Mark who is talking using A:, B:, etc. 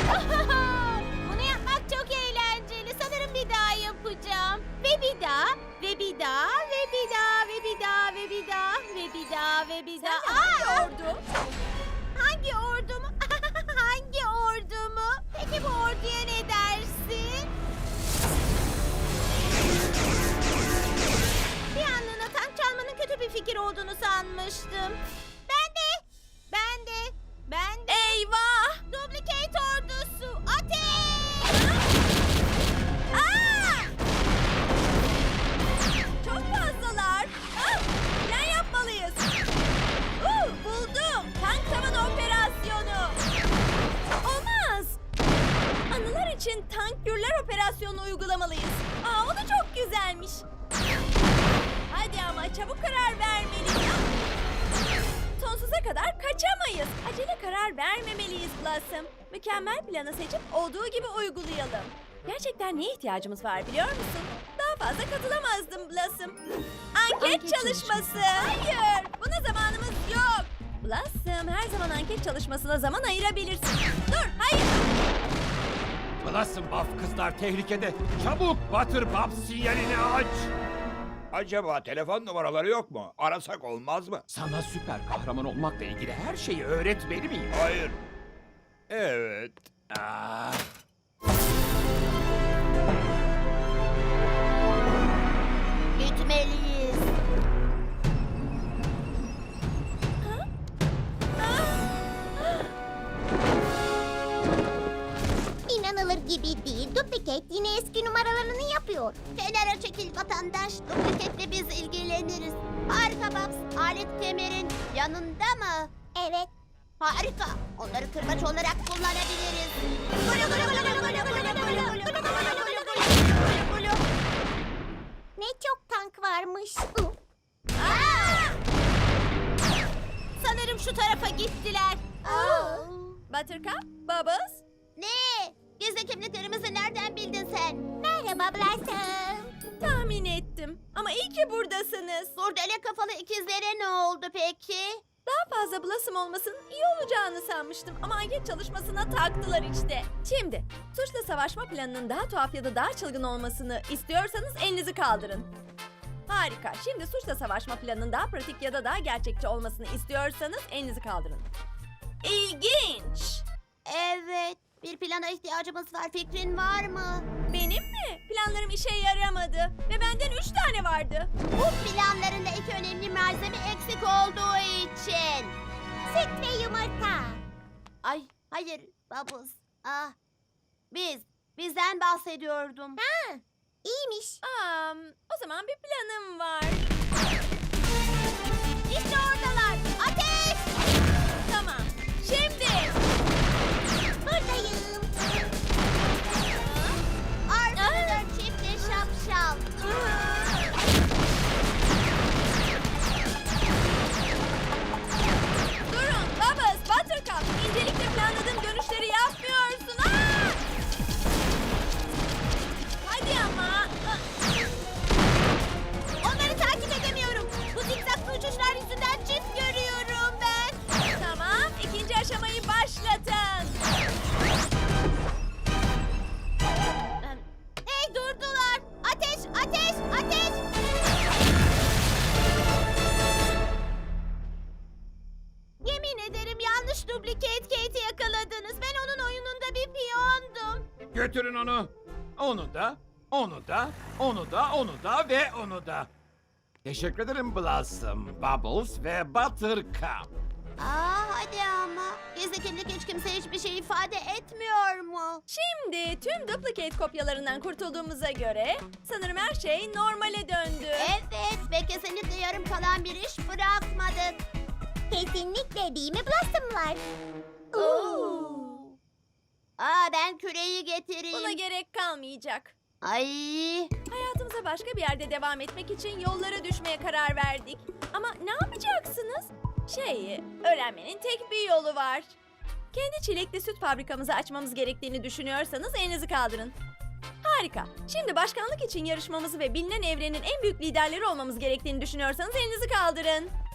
A: Bunu yapmak çok eğlenceli. Sanırım bir daha yapacağım. Ve bir daha, ve bir daha, ve bir daha, ve bir daha, ve bir daha, ve bir daha, ve bir daha.
B: Hangi ordu?
A: Hangi ordu mu? Hangi ordu mu? Peki bu orduya ne dersin? Bir anlığına tank çalmanın kötü bir fikir olduğunu sanmıştım. Ben de.
B: Eyvah!
A: Duplicate ordusu, ateş!
B: Aa! Çok fazlalar. Plan yapmalıyız. Buldum. Tank tavan operasyonu. Olmaz. Anılar için tank gürler operasyonu uygulamalıyız. O da çok güzelmiş. Hadi ama çabuk karar vermeliyiz. Sonsuza kadar kaçamayız. Acele karar vermemeliyiz Blossom. Mükemmel planı seçip olduğu gibi uygulayalım. Gerçekten neye ihtiyacımız var biliyor musun? Daha fazla katılamazdım Blossom. Anket çalışması. Hayır, buna zamanımız yok. Blossom, her zaman anket çalışmasına zaman ayırabilirsin. Dur, hayır.
C: Blossom Buff kızlar tehlikede. Çabuk Butterpup sinyalini aç.
D: Acaba telefon numaraları yok mu? Arasak olmaz mı?
C: Sana süper kahraman olmakla ilgili her şeyi öğretmeli miyim?
D: Hayır. Evet.
C: Ah.
A: Gitmeliyiz. İnanılır gibi değil. Duplicate yine eski numaralarını yapıyor. Kenara çekil vatandaş. Duplicate'le biz ilgileniriz. Harika Babs. Alet kemerin yanında mı? Evet. Harika. Onları kırbaç olarak kullanabiliriz. Gulu gulu gulu gulu gulu gulu gulu gulu gulu gulu gulu gulu. Ne çok tank varmış. Sanırım şu tarafa gittiler.
B: Buttercup, Bubbles.
A: Ne? Gizli kimliklerimizi nereden bildin sen? Merhaba Blossom.
B: Tahmin ettim. Ama iyi ki buradasınız.
A: Kurdele kafalı ikizlere ne oldu peki?
B: Daha fazla Blossom olmasının iyi olacağını sanmıştım. Ama anket çalışmasına taktılar işte. Şimdi suçla savaşma planının daha tuhaf ya da daha çılgın olmasını istiyorsanız elinizi kaldırın. Harika. Şimdi suçla savaşma planının daha pratik ya da daha gerçekçi olmasını istiyorsanız elinizi kaldırın. İlginç.
A: Evet. Bir plana ihtiyacımız var. Fikrin var mı?
B: Benim mi? Planlarım işe yaramadı. Ve benden 3 tane vardı.
A: Bu planlarında iki önemli malzeme eksik olduğu için. Süt ve yumurta. Ay hayır Bubbles. Bizden bahsediyordum. Ha, iyiymiş.
B: O zaman bir planım var.
A: İşte oradalar. Ateş!
B: Tamam. Şimdi.
A: Buradayım. Arkadaşlar çifte şapşal.
B: Durun Bubbles, Buttercup. İncelikle planladığım dönüşleri yapmıyorsun. Hadi ama.
A: Onları takip edemiyorum. Bu zikzaklı uçuşlar yüzünden çift görüyorum ben.
B: Tamam, ikinci aşamayı başlatın.
A: Hey durdular. Ateş, ateş, ateş. Yemin ederim yanlış Duplicate Kate'i yakaladınız. Ben onun oyununda bir piyondum.
C: Götürün onu. Onu da, onu da, onu da, onu da ve onu da. Teşekkür ederim Blossom, Bubbles ve Buttercup.
A: Hadi ama. Gizli kimlik hiç kimse hiçbir şey ifade etmiyor mu?
B: Şimdi tüm duplicate kopyalarından kurtulduğumuza göre sanırım her şey normale döndü.
A: Evet ve kesinlikle yarım kalan bir iş bırakmadık. Kesinlikle değil mi Blossom'lar? Ben küreyi getireyim.
B: Buna gerek kalmayacak.
A: Ay.
B: Hayatımıza başka bir yerde devam etmek için yollara düşmeye karar verdik. Ama ne yapacaksınız? Öğrenmenin tek bir yolu var. Kendi çilekli süt fabrikamızı açmamız gerektiğini düşünüyorsanız elinizi kaldırın. Harika. Şimdi başkanlık için yarışmamızı ve bilinen evrenin en büyük liderleri olmamız gerektiğini düşünüyorsanız elinizi kaldırın.